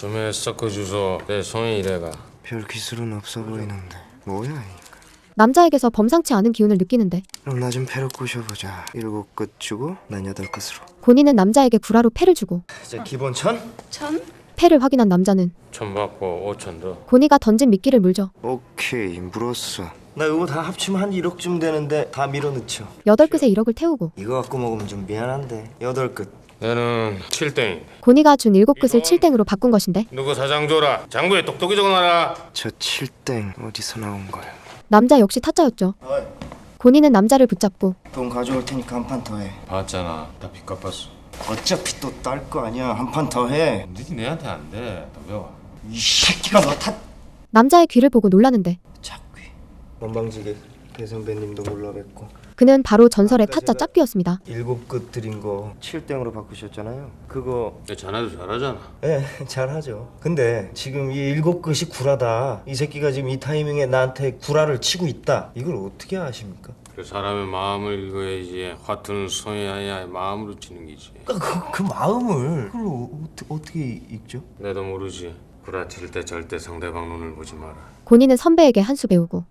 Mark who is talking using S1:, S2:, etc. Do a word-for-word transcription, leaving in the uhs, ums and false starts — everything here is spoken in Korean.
S1: 좀 섞어 주소. 내 손이 이래가.
S2: 별 기술은 없어 보이는데 뭐야 이거.
S3: 남자에게서 범상치 않은 기운을 느끼는데
S2: 그럼 나 좀 패로 꼬셔보자. 일곱 끝 주고 난 여덟 끝으로.
S3: 고니는 남자에게 구라로 패를 주고
S2: 이제 기본 천?
S3: 패를 확인한 남자는
S1: 천 받고 오천 더.
S3: 고니가 던진 미끼를 물죠.
S2: 오케이 물었어. 나 이거 다 합치면 한 일억쯤 되는데 다 밀어넣죠.
S3: 여덟 끝에 일억을 태우고
S2: 이거 갖고 먹으면 좀 미안한데 여덟 끝.
S1: 내는 칠 땡인데.
S3: 고니가 준 일곱 끝을 칠 땡으로 바꾼 것인데
S1: 누구 사장 줘라. 장부에 똑똑히 적어놔라.
S2: 저 칠땡 어디서 나온 거야?
S3: 남자 역시 타짜였죠.
S2: 어이,
S3: 고니는 남자를 붙잡고
S2: 돈 가져올 테니까 한 판 더 해.
S1: 봤잖아. 다 빚 갚았어.
S2: 어차피 또 딸 거 아니야. 한 판 더 해.
S1: 니지 내한테 안 돼. 더 배워.
S2: 이 새끼가 너 탓.
S3: 남자의 귀를 보고 놀라는데
S2: 작귀. 원방지게 배 선배님도 몰라 뵙고.
S3: 그는 바로 전설의 타짜 짝귀였습니다.
S2: 일곱 끝 드린 거 칠땡으로 바꾸셨잖아요. 그거
S1: 내 자네도 잘하잖아.
S2: 예, 잘하죠. 근데 지금 이 일곱 끝이 구라다. 이 새끼가 지금 이 타이밍에 나한테 구라를 치고 있다. 이걸 어떻게 아십니까?
S1: 그 사람의 마음을 읽어야지. 화투는 손이 아니야 마음으로 치는 기지.
S2: 그, 그 마음을 그걸 어, 어떻게 읽죠?
S1: 내도 모르지. 구라칠 때 절대 상대방 눈을 보지 마라.
S3: 고니는 선배에게 한 수 배우고